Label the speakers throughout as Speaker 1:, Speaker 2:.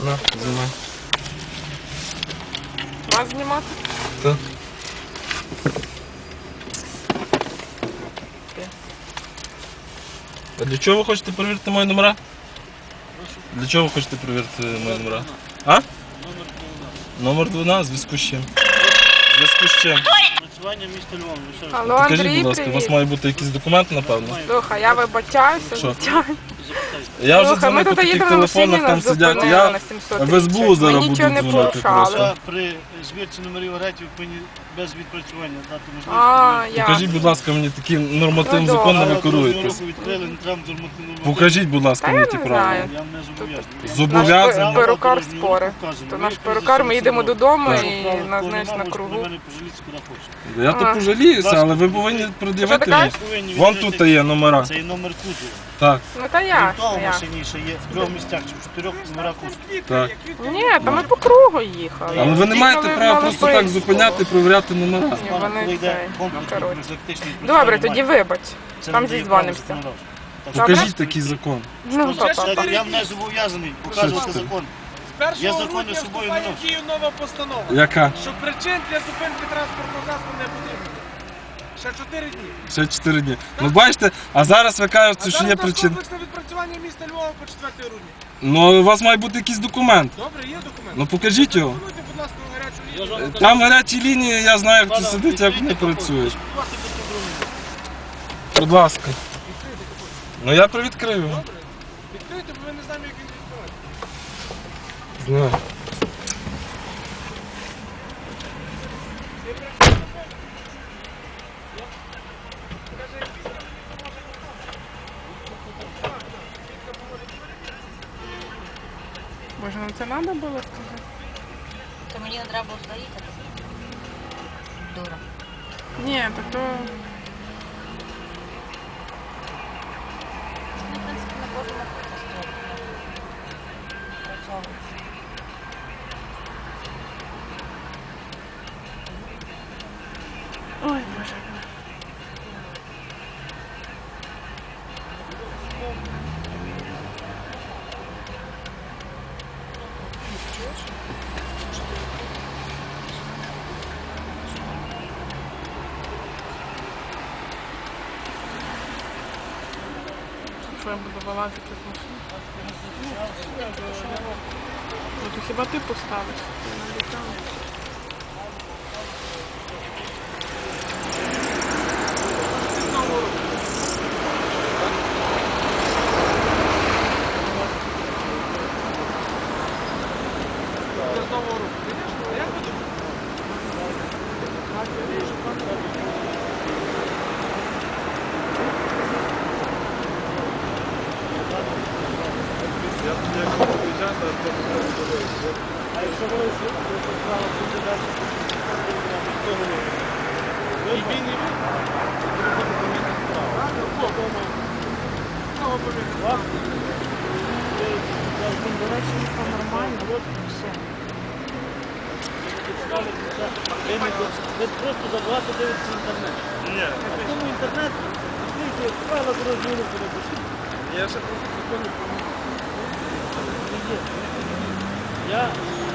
Speaker 1: На, знімай.
Speaker 2: Вас знімати?
Speaker 1: Так. А для чого ви хочете перевірити мої номера? Для чого ви хочете перевірити мої номера? А? Номер 12, зв'язку з чим? Зв'язку з чим?
Speaker 3: Працювання міста Львова.
Speaker 2: Алло,
Speaker 1: Покажіть,
Speaker 2: Андрій,
Speaker 1: будь ласка, у вас
Speaker 2: привіт.
Speaker 1: має бути якийсь документ, напевно.
Speaker 2: Слухай, я вибачаюся,
Speaker 1: Що?
Speaker 2: звичайно.
Speaker 1: Я вже
Speaker 2: Слухай, ми
Speaker 1: дзвонив по
Speaker 2: тут
Speaker 1: таких
Speaker 2: їдемо на машині,
Speaker 1: телефонах, там
Speaker 2: нас
Speaker 1: сидять.
Speaker 2: зупинили
Speaker 1: Я
Speaker 2: на 700
Speaker 1: в СБУ зараз
Speaker 2: Ми
Speaker 1: буду
Speaker 2: нічого не
Speaker 1: дзвонити
Speaker 2: порушали.
Speaker 1: просто.
Speaker 3: При звірці номерів агрегатів повинні без відпрацювання дати
Speaker 2: А,
Speaker 3: можливість.
Speaker 2: я.
Speaker 1: Покажіть, будь ласка, мені такі нормативні
Speaker 2: Ну,
Speaker 1: закони
Speaker 2: добре.
Speaker 1: ви керуєтесь.
Speaker 3: Руку відкрили, не треба нормативну.
Speaker 1: Покажіть, будь ласка,
Speaker 2: Та
Speaker 1: мені
Speaker 2: я
Speaker 1: ті
Speaker 2: не
Speaker 1: правила.
Speaker 2: знаю.
Speaker 3: Я не зобов'язаний.
Speaker 1: Зобов'язаний.
Speaker 2: Перукар спори. То наш перукар, ми їдемо додому
Speaker 1: Так.
Speaker 2: і нас, знаєш, на кругу.
Speaker 3: Мене пожаліться, куди хочете.
Speaker 1: Я то пожаліюся, але ви повинні пред'явити
Speaker 2: Що ти
Speaker 1: мені.
Speaker 2: кажеш?
Speaker 3: Повинні
Speaker 1: Вон
Speaker 3: відкрити-
Speaker 1: тут є номера.
Speaker 3: Це і номер кузова.
Speaker 1: Так,
Speaker 2: Ну та
Speaker 3: Крім
Speaker 2: я.
Speaker 3: того, в машині ще є в 3 місцях чи в 4 номера кузова.
Speaker 1: так.
Speaker 2: Ні, та ми по кругу їхали.
Speaker 1: Але ви не маєте
Speaker 2: Їхали
Speaker 1: права
Speaker 2: на
Speaker 1: просто так
Speaker 2: Липинську.
Speaker 1: зупиняти і перевіряти номера.
Speaker 2: Ні,
Speaker 3: Коли
Speaker 2: вони
Speaker 3: йде
Speaker 2: це, ну,
Speaker 3: комплексний
Speaker 2: коротше.
Speaker 3: профілактичний
Speaker 2: Добре,
Speaker 3: працювання
Speaker 2: тоді
Speaker 3: має.
Speaker 2: вибач.
Speaker 3: Це
Speaker 2: Там
Speaker 3: не дає
Speaker 2: зізвонимося.
Speaker 3: права законодавства. Так
Speaker 2: Добре.
Speaker 1: Покажіть такий закон.
Speaker 2: Ну,
Speaker 3: що,
Speaker 2: папа.
Speaker 3: я не зобов'язаний показувати
Speaker 1: Що це?
Speaker 3: закон.
Speaker 4: З 1
Speaker 3: Я закони
Speaker 4: грудня
Speaker 3: з собою
Speaker 4: вступає
Speaker 3: не
Speaker 4: в
Speaker 3: ношу.
Speaker 4: дію нова постанова,
Speaker 1: Яка?
Speaker 4: що причин для зупинки транспортного засобу не потрібно. Ще 4 дні.
Speaker 1: Ще 4 дні. Ну бачите, а зараз ви кажете, що є
Speaker 4: зараз у нас
Speaker 1: причина.
Speaker 4: комплексне відпрацювання міста Львова по 4 грудня.
Speaker 1: Ну у вас має бути якийсь документ.
Speaker 4: Добре, є документ.
Speaker 1: Ну покажіть його.
Speaker 4: Телефонуйте, будь ласка, на гарячу лінію.
Speaker 1: Там гарячі лінії, я знаю, хто сидить, як вони працюють. Будь ласка. Ну я привідкрию.
Speaker 4: Добре. Відкрийте, бо ми не знаємо, як він відкривається.
Speaker 1: Знаю.
Speaker 2: Боже, ну це треба було сказати?
Speaker 5: То мені не треба було стоїти. Дура.
Speaker 2: Ні, так то...
Speaker 5: Ми, в принципі, не можемо працювати.
Speaker 2: Ой, Боже. Що я буду вилазити з машини? Ну, то хіба ти поставиш? Я не обіцяла.
Speaker 4: Для знову руку. Звісно, а як ви думаєте?
Speaker 3: А якщо ви справа буде далі, ви він і
Speaker 5: До речі, це нормально. Все.
Speaker 3: ви просто забагато дивитеся інтернет.
Speaker 1: Ні,
Speaker 3: А в тому інтернет, відкрийте правила дорожнього руху напишіть.
Speaker 1: я ще просто закони
Speaker 3: Я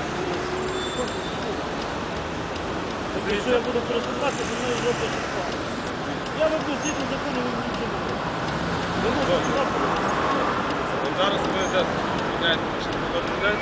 Speaker 3: якщо я буду користуватися, то мною зроблять справу. Я роблю згідно закону, ви мені нічого не робите. Ви можете справку робити.
Speaker 1: Зараз ви міняєте машину, ви відмовляєте,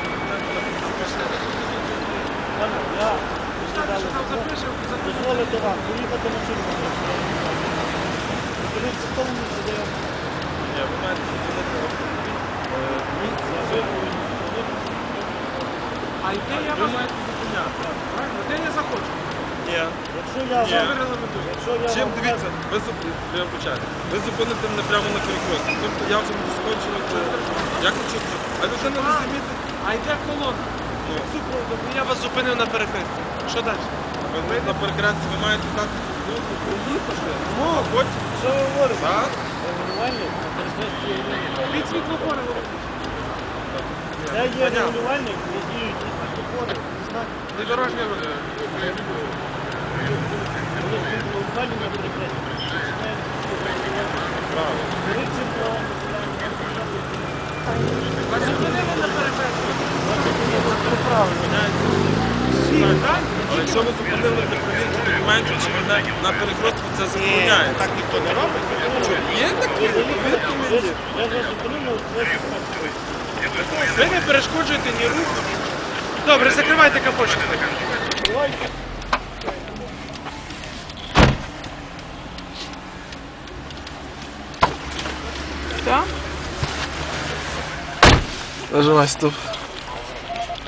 Speaker 3: Пане, я
Speaker 4: Що там запишемо,
Speaker 3: дозволити вам поїхати машину. Подивіться в тому місці, де я
Speaker 1: Ні, ви маєте зупинити місце, ви повинні зупинитися.
Speaker 4: А йде я
Speaker 1: Ви
Speaker 4: вас...
Speaker 1: маєте зупиняти.
Speaker 4: Правильно, де я захочу?
Speaker 1: Ні.
Speaker 3: Якщо я
Speaker 1: Ні.
Speaker 3: вам...
Speaker 4: Ви регламентуєте.
Speaker 3: Якщо я
Speaker 1: Чим
Speaker 3: вам...
Speaker 1: дивіться, ви почати. Ви зупините мене прямо на перекресті. Тобто я вже буду скочувати. Як ви чути? А людина не замітить.
Speaker 4: А йде колона.
Speaker 1: Ну,
Speaker 4: Супроводом. Я вас зупинив на перехресті. Що далі?
Speaker 1: ви на перекресті ви маєте дати руку проїхати, а потім.
Speaker 3: Що ви говорите?
Speaker 1: Так?
Speaker 3: Регулювальник на перехресті є регулювальник.
Speaker 4: Від світлофора говорить.
Speaker 3: Це є регулювальник, де діють і світлофори, і знаки.
Speaker 4: І дорожня рух.
Speaker 3: Коли регулювальник на перехресті, починає
Speaker 1: Правильно.
Speaker 3: говорити про...
Speaker 4: А зупинили на перехресті. Всі, так?
Speaker 1: Але якщо ви зупинили для перевірки документів, чи ви на перехрестку це забороняє?
Speaker 4: Так ніхто не робить.
Speaker 1: Є такі, повірте мені.
Speaker 3: Я вас зупинив на українській стороні.
Speaker 4: Ви не перешкоджуєте ні руху. Добре, закривайте капотчик.
Speaker 2: Так?
Speaker 1: Нажимай стоп.